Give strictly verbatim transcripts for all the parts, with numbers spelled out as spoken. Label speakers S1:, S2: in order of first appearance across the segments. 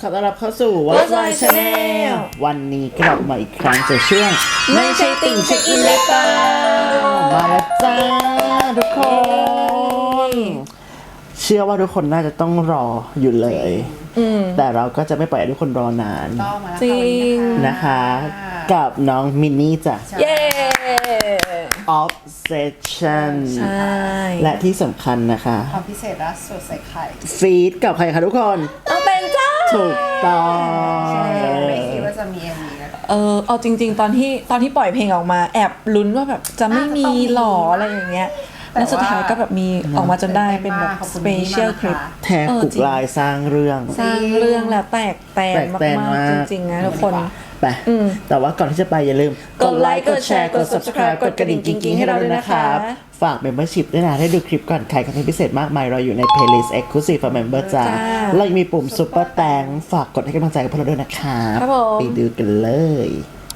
S1: ขอต้อนรับเข้าสู่ What's My Channel วันนี้กลับมาอีกครั้งจากช่วงไม่ใช่ติ่งเช็คอินเลยเปล่ามาแล้วจ้าทุกคนเชื่อว่าทุกคนน่าจะต้องรออยู่เลยแต่เราก็จะไม่ปล่อยให้ทุกคนรอนาน
S2: จริง
S1: นะคะกับน้องมินนี่จ้ะ
S2: เย้
S1: Obsession
S2: ใช่
S1: และที่สำคัญนะคะ
S3: ความพิเศษล่าสุดใส่ไข่
S1: ฟีดกับใครคะทุกคน
S2: เอาเป็นจ้า
S1: ถูกต้อง
S3: ไม่คิดว่าจะมี เอ็ม วี นะ
S2: เออเอาจริงๆตอนที่ตอนที่ปล่อยเพลงออกมาแอบลุ้นว่าแบบจะไม่มีหรออะไรอย่างเงี้ยแล้วสุดท้ายก็แบบมีออกมาจนได้เป็นแบบสเปเชียลคลิป
S1: แทกกุกลายสร้างเรื่อง
S2: สร้างเรื่องแล้วแตกแตนมากๆจริงๆนะทุกคน
S1: ไปแต่ว่าก่อนที่จะไปอย่าลืมกดไลค์กดแชร์กด ซับสไครบ์ กดกระดิ่งกิ๊งๆให้เราด้วยนะครับฝาก Membership ด้วยนะได้ดูคลิปก่อนใครคอนเทนต์พิเศษมากมายเราอยู่ใน Playlist Exclusive for Member จ้าเรายังมีปุ่ม Super Thanks ฝากกดให้กำลังใจกับพวกเราด้วยนะครับไปดูกันเลย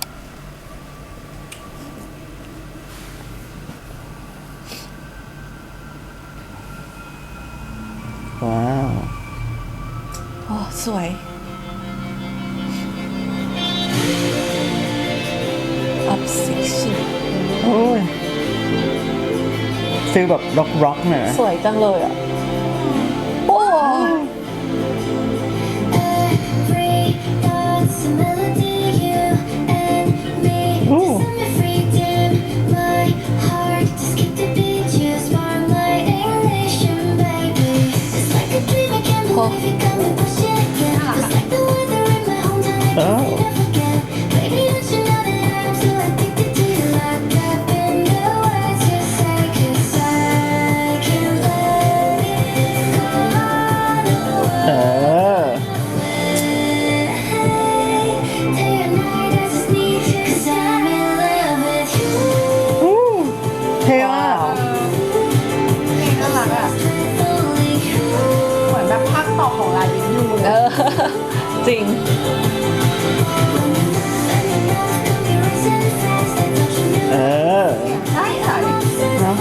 S1: ว้าว
S2: โอ้สวยObsession
S1: โอ้ยฟีลแบบร็อกร็อกหน่อย
S2: สวยจังเลยอ่ะโอ้
S1: โอ้เออเท่มาก
S3: เพลงน่ารักอ่ะเหมือนแบบภาคต่อของลายินยู
S2: เออจริง
S1: เออ
S3: ใช่ใช่
S1: เนาะ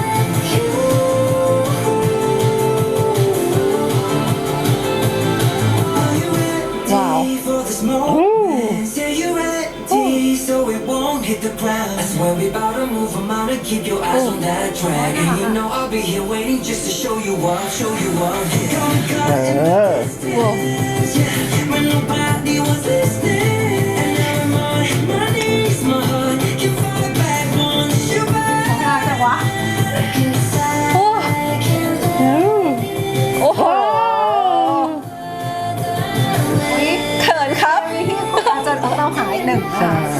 S2: ว้าว
S4: Hit the ground. I swear we bout to move. I'm out to keep your eyes on that track. And you know I'll be here waiting just to show you up, show you up.
S1: Uh.
S4: Yeah, when nobody was listening. And now I'm on my knees, my heart can fight back once you're back.
S3: แต่ว่า
S2: โอ้โอ้โหเขินครับ
S3: อาจจะต้องหาอีกหนึ่ง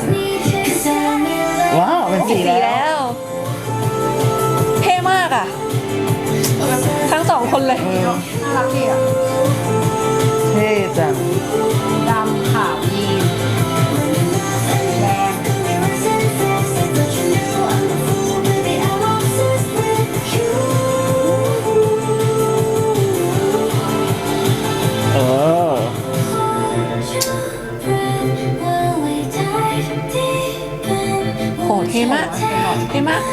S1: ว้าวเป็นสีแล้ว
S2: เท่มากอ่ะทั้งสองคนเลย
S3: น่ารักดีอ่ะ
S1: เท่จัง
S3: ดำขาวยีนแดง
S1: เออ
S2: โหเท่มากเท่มาก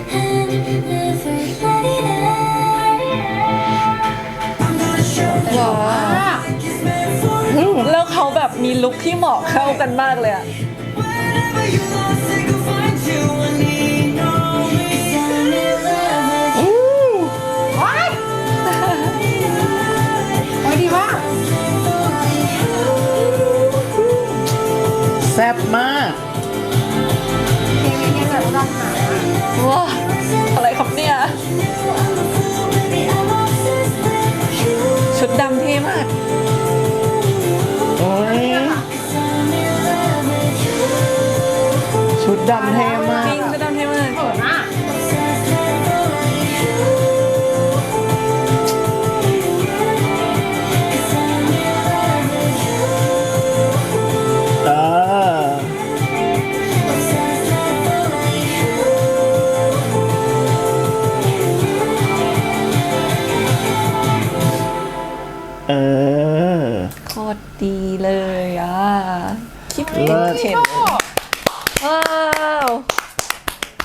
S2: ว้าวแล้วเขาแบบมีลุคที่เหมาะเข้ากันมากเลยอะ
S3: ว้ายโอ้ยดีมาก
S1: แซ่บมาก
S3: เพลงนี้แบบร้องหนา
S2: ว้าอะไรครับเนี่ยชุดดำเท่มาก
S1: โอ้ยชุดดำเท่มาก
S2: จริงชุดดำเท่มาก
S3: เออน่ะ
S1: เออเออ
S2: โคตรดีเลยอ่ะคิดเห็นว้าว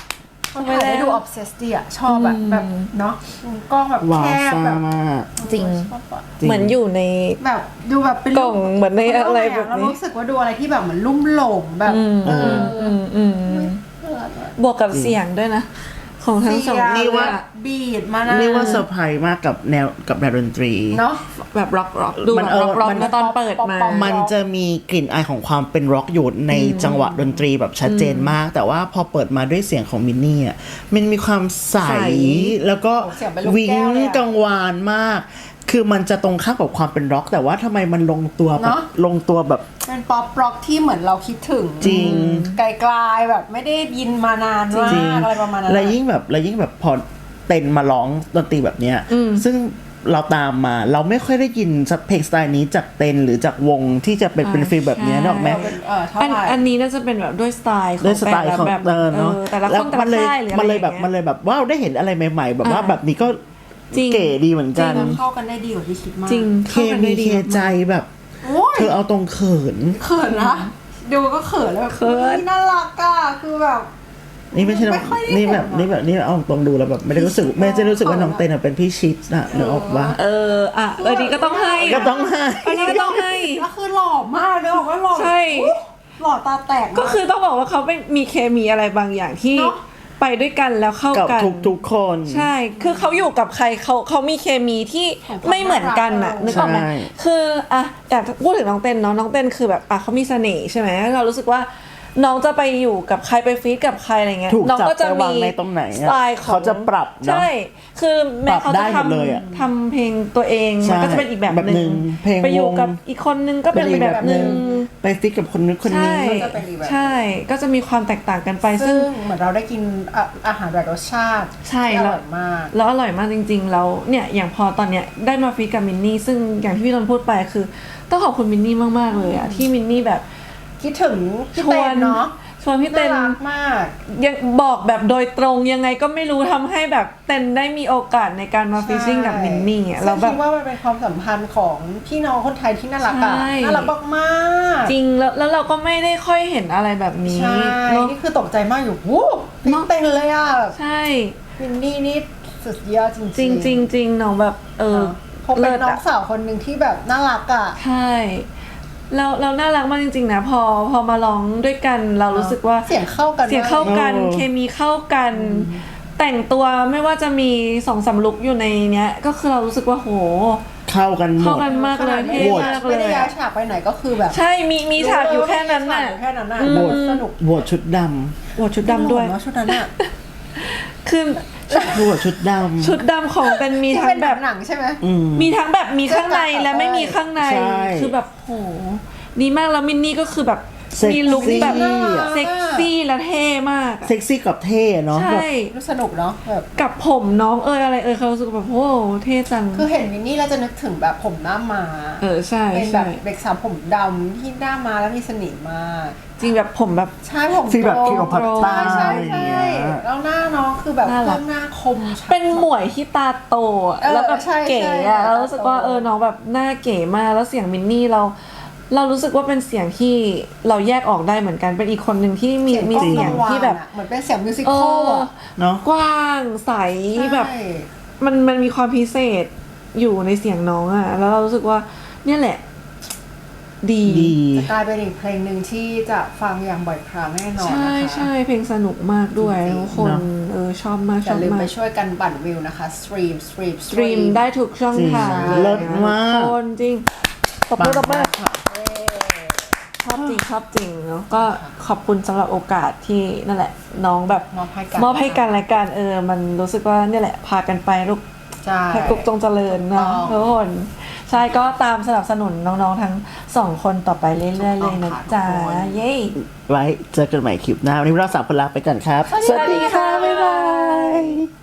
S3: เขาถ่ายได้ดูออฟเซสดีอะชอบแบบแบบเนาะกล้องแบบ
S1: ว้า
S3: แคว บ
S1: ซ่า
S3: แบบ
S1: มาก
S2: จริง
S3: ชอบอะ
S1: จริง
S2: เหมือนอยู่ใน
S3: แบบดูแบบเป็น
S2: กล่องเหมือนในอะไรแบบนี้
S3: เรารู้สึกว่าดูอะไรที่แบบเหมือนลุ่มหลงแบบเออ
S2: อืมอืมบวกกับเสียงด้วยนะ ของทั้งสอง
S3: เสีย
S1: นี่ว่า
S3: บีดมานะ
S1: นี่ว่าเซอร์ไพรส์มากกับแนวกับแนวดนตรี
S3: เนาะ
S2: แบบร็อกร็อกดู
S1: มัน
S2: แบบ
S1: เออ
S2: ร็อกร็อก
S1: มัน
S2: นะตอนเปิดมา
S3: ป๊อป
S1: มันจะมีกลิ่นอายของความเป็นร็อกอยู่ในจังหวะดนตรีแบบชัดเจนมาก แต่ว่าพอเปิดมาด้วยเสียงของมินนี่อ่ะมันมีความใส
S2: ใส
S1: แล้วก็
S3: เสียงเป็นลูก
S1: วิ้ง
S3: แก้วเลยอะ
S1: กังวานมาก คือมันจะตรงข้ามกับความเป็นร็อก แต่ว่าทำไมมันลงตัวแบบ
S3: เนอะ
S1: ลงตัวแบบ
S3: เป็นป๊อปร็อกที่เหมือนเราคิดถึง
S1: จริง
S3: ไกลๆแบบไม่ได้ยินมานานมาก
S1: จริง
S3: อะไรประมาณนั้น
S1: แล้วยิ่งแบบแล้วยิ่งแบบพอเต้นมาร้องดนตรีแบบเนี้ยซึ่งเราตามมาเราไม่ค่อยได้ยินเพลงสไตล์นี้จากเต้นหรือจากวงที่จะเป็นเป็นฟีลแบบเนี้ย
S2: ใช่
S1: นึกออกไหม
S3: เราเป็นเออเท่า
S2: อัน
S3: ไหร่
S2: อันนี้น่าจะเป็นแบบด้วยสไตล์ของ
S1: ด้วยสไตล์ของ
S2: แต่ละแบบ
S1: เออเนาะ
S2: เออแต่ละคนแต่
S1: มั
S2: ละ
S1: เลย
S2: ค่ายหรืออะไร
S1: มันเลยแบบ
S2: อาง
S1: มัน
S2: งี้
S1: เลยแบบว้าวได้เห็นอะไรใหม่ ๆ แบบว่า
S2: อ่า
S1: แบบนี้ก็
S2: จริง
S1: เก๋ดีเหมือนกัน
S3: เข้ากันได้ดีกว่าที่คิดมาก
S2: จริง
S1: เค
S2: เข้ากัน
S1: มี
S2: ได้ดี
S1: เคใจ
S2: มาก
S1: แบบ
S3: โอ้ย
S1: เธอเอาตรงเขิน
S3: เขินนะดูก็เขินแล้วแบบ
S2: เขิน
S3: อุ๊ยน่ารักอ่ะคือแบบ
S1: นี่ไม่ใช่น้อง
S3: ไม่ค่อยได้
S1: นี่แบบ
S3: เห็นอะ
S1: นี่แบบนี่เอาตรงดูแล้วแบบไม่ได้รู้สึกไม่ได้รู้สึกว่าน้องเต้นอะเป็นพี่ชิดอะนึกออกว่า
S2: เอออ่ะเออดีก็ต้องให้นะ
S1: ก็ต้องให้
S2: อันนี้ก็ต้องให้
S3: แล้วคือหล่อมากเลยบอกว่าหล่อ
S2: ใช่
S3: อุ๊ยหล่อตาแตกมาก
S2: ก็คือต้องบอกว่าเขาเป็นมีเคมีอะไรบางอย่างที่
S3: เนอะ
S2: ไปด้วยกันแล้วเข้า
S1: กับ
S2: กัน
S1: ทุกทุกๆคน
S2: ใช่ คือเขาอยู่กับใครเขาเขามีเคมีที่
S3: ของความ
S2: ไม่เหมือนกันน่ะ
S3: น่ารัก
S2: นึกออกไหม
S1: ใช่
S2: คืออ่ะอยากพูดถึงน้องเต้นเนาะน้องเต้นคือแบบอ่ะเขามีเสน่ห์ใช่ไหมเรารู้สึกว่าน้องจะไปอยู่กับใครไปฟีดกับใครอะไรเงี้ย
S1: ถูก
S2: น้อง
S1: จับ
S2: ก็จะ
S1: ไปวาง
S2: มี
S1: ในตรงไหน
S2: ส
S1: อะ
S2: ไตล์ของ
S1: เขาจะปรับเนอะ
S2: ใช่ คือแม้เขา
S1: ปรับได้
S2: จะ
S1: หมดเลยอะ
S2: ทำทำเพลงตัวเอง
S1: ใช่
S2: มันก็จะเป็นอีกแบบ
S1: แบบ
S2: ห
S1: หนึ่
S2: นึ่ง
S1: งเพลง
S2: ไปอยู่
S1: วง
S2: กับอีกคนนึงก็เป็น
S1: อี
S2: อีกแบบหนึ่ง
S1: ไปฟิกกับคนนู้นคนนี้
S2: ใช่
S3: ก็จะเป็นอีกแบบ
S2: ใช่ ก็จะมีความแตกต่างกันไปซึ่
S3: ซึ่
S2: ง
S3: งเหมือนเราได้กินอ่ะอาหารแบบรสชาติ
S2: ใช่
S3: ที่อ
S2: แล้ว
S3: ร่อยมาก
S2: แล้วอร่อยมากจริงๆ แล้วเนี่ยอย่างพอตอนเนี้ยได้มาฟีดกับมินนี่ซึ่งอย่างที่พี่นนท์พูดไปคือ ต้องขอบคุณมินนี่มากๆเลยอะที่มินนี่แบบ
S3: คิดถึงพี่
S2: ช
S3: เต้
S2: วน
S3: นเนาะ
S2: ชวนพี่
S3: น่า
S2: เต้น
S3: รักมาก
S2: ยังบอกแบบโดยตรงยังไงก็ไม่รู้ทำให้แบบเต้นได้มีโอกาสในการมาฟิชชิ่งกับมินนี่อะ
S3: ซึ่
S2: แล้ว
S3: ง
S2: แบ
S3: คิ
S2: บ
S3: ดว่ามันเป็นความสัมพันธ์ของพี่น้องคนไทยที่น่ารักอะ
S2: ใช่
S3: น่ารักมากๆ
S2: จริงแล้วแล้วเราก็ไม่ได้ค่อยเห็นอะไรแบบนี้
S3: ใช่
S2: เนาะ
S3: นี่คือตกใจมากอยู่วู้พี่
S2: เนอะ
S3: เต้นเลยอะแบบ
S2: ใช่
S3: วินนี่นี่สุดยอดจริง
S2: จริงจริงจริงน้องแบบเออ
S3: เขาเป็นน้อง
S2: ะ
S3: สาวคนหนึ่งที่แบบน่ารักอะ
S2: ใช่แล้วเราน่ารักมากจริงๆนะพอพอมาร้องด้วยกันเรารู้สึกว่า
S3: เสียงเข้ากัน
S2: เสียงเข้ากัน
S1: เออ
S2: เคมีเข้ากัน แต่งตัวไม่ว่าจะมีสองสามลุกอยู่ในเนี้ย ก็คือเรารู้สึกว่าโห
S1: เข้ากันหม
S2: เข้า
S1: ด
S2: กันมากเลย
S3: ไม่
S2: เท่
S3: ได้
S2: มากเล
S3: ไม่ได้
S2: ย
S3: ย้าย
S2: อะ
S3: ฉากไปไหนก็คือแบบ
S2: ใช่มีมีฉากอยู่แค่นั้นน่ะ
S3: มีฉากอยู่แค่นั้นน่ะ
S2: อืม
S3: สนุก
S1: บวชชุดด
S2: โหชุดดำด้วย
S3: หล่อเนอะชุดนั้นอะ
S2: คือ
S1: ำบวชชุดดำ
S2: ชุดดำของเป็นมี
S3: ที่
S2: ทั้
S3: เป็
S2: ง
S3: น
S2: แบ
S3: แบบ บหนังใช่ไหม
S1: อืม
S2: มีทั้งแบบมีข้างในและไม่มีข้างใน
S1: ใช่
S2: คือแบบโหดีมากแล้วมินนี่ก็คือแบบ
S1: เซ็กซี่
S2: มีลุคแบบ
S1: อะ
S2: เซ็กซี่และเท่มากอะ
S1: เซ็กซี่กับเท่เนาะ
S2: ใช่
S1: แบบ
S3: รู้สนุกเนาะแบบ
S2: กับผมน้องเอยอะไรเอยเขารู้สึกแบบโอ้โหเท่จัง
S3: คือเห็นวินนี่แล้วจะนึกถึงแบบผมหน้ามา
S2: เออใช่
S3: เป็นแบ
S2: ใช่
S3: บเด็กสาวผมดำที่หน้ามาแล้วมีเสน่ห์มาก
S2: จริงแบบผมแบบ
S3: ใช่ผม
S1: ฟีลแบบ
S3: โต
S1: คิวพัตตา
S3: ใช่
S1: อะไร
S3: ใช่
S1: อย่าง
S3: ใช่
S1: เงี้ย
S3: แล้วหน้าน้องคือแบบ
S2: น่ารัก
S3: เครื่องหน้าคมชัด
S2: เป็นหมวยที่ตาโตอะ
S3: เออ
S2: แล้วแบบ
S3: ใช่
S2: เก๋
S3: ใช่
S2: อะ
S3: ตาโต
S2: แล้วรู้สึกว่าเออน้องแบบหน้าเก๋มากแล้วเสียงมินนี่เรา เรารู้สึกว่าเป็นเสียงที่เราแยกออกได้เหมือนกันเป็นอีกคนหนึ่งที่มีมีเสียงที่แบบ
S3: เหมือนเป็นเสียงมิวสิค
S2: เอ
S3: อล
S2: อ
S3: อะ
S1: เนาะ
S2: กว้างใสแบบ
S3: ใช่
S2: มันมันมีความพิเศษอยู่ในเสียงน้องอะแล้วเรารู้สึกว่าเนี่ยแหละ ดี
S1: ดี
S3: จะกลายเป็นอีกเพลงหนึ่งที่จะฟังอย่างบ่อยครั้งแน่นอน
S2: ใช่
S3: นะคะ
S2: ใช่เพลงสนุกมากด้วย
S3: จริงๆ
S2: ทุกคน
S1: เนอะ
S2: เออชอบมากช
S3: อย่า
S2: อบ
S3: ลืม
S2: มา
S3: ไป
S2: ก
S3: ช่วยกันปั่นวิวนะคะสตรีมสตรีม
S2: สตรีมได้ทุกช่องทาง
S1: จริงเลิศมาก
S2: ทุคนจริงตบมือตบมือ
S1: ค่ะ
S2: ชอบจริงชอบจริงแล้วก็ขอบคุณสำหรับโอกาสที่นั่นแหละ น้องแบบ
S3: มอบให้กัน
S2: มอบให้กันและกันเออ มันรู้สึกว่าเนี่ยแหละ พากันไปลูก
S3: ใช่
S2: ให้กลุกจงเจริญเนาะ
S3: ถู
S2: ทุ
S3: ก
S2: ก
S3: ต้อง
S2: คนใช่ก็ตามสนับสนุนน้องๆทั้งสองคนต่อไปเรื่อยๆเลยนะจ๊ะ
S3: ทุกคน
S2: เย้
S1: ไว้เจอกันใหม่คลิปหน้า วันนี้เราสามคนลาไปก่อนครับ
S2: สวัสดีค่ะบ๊ายบาย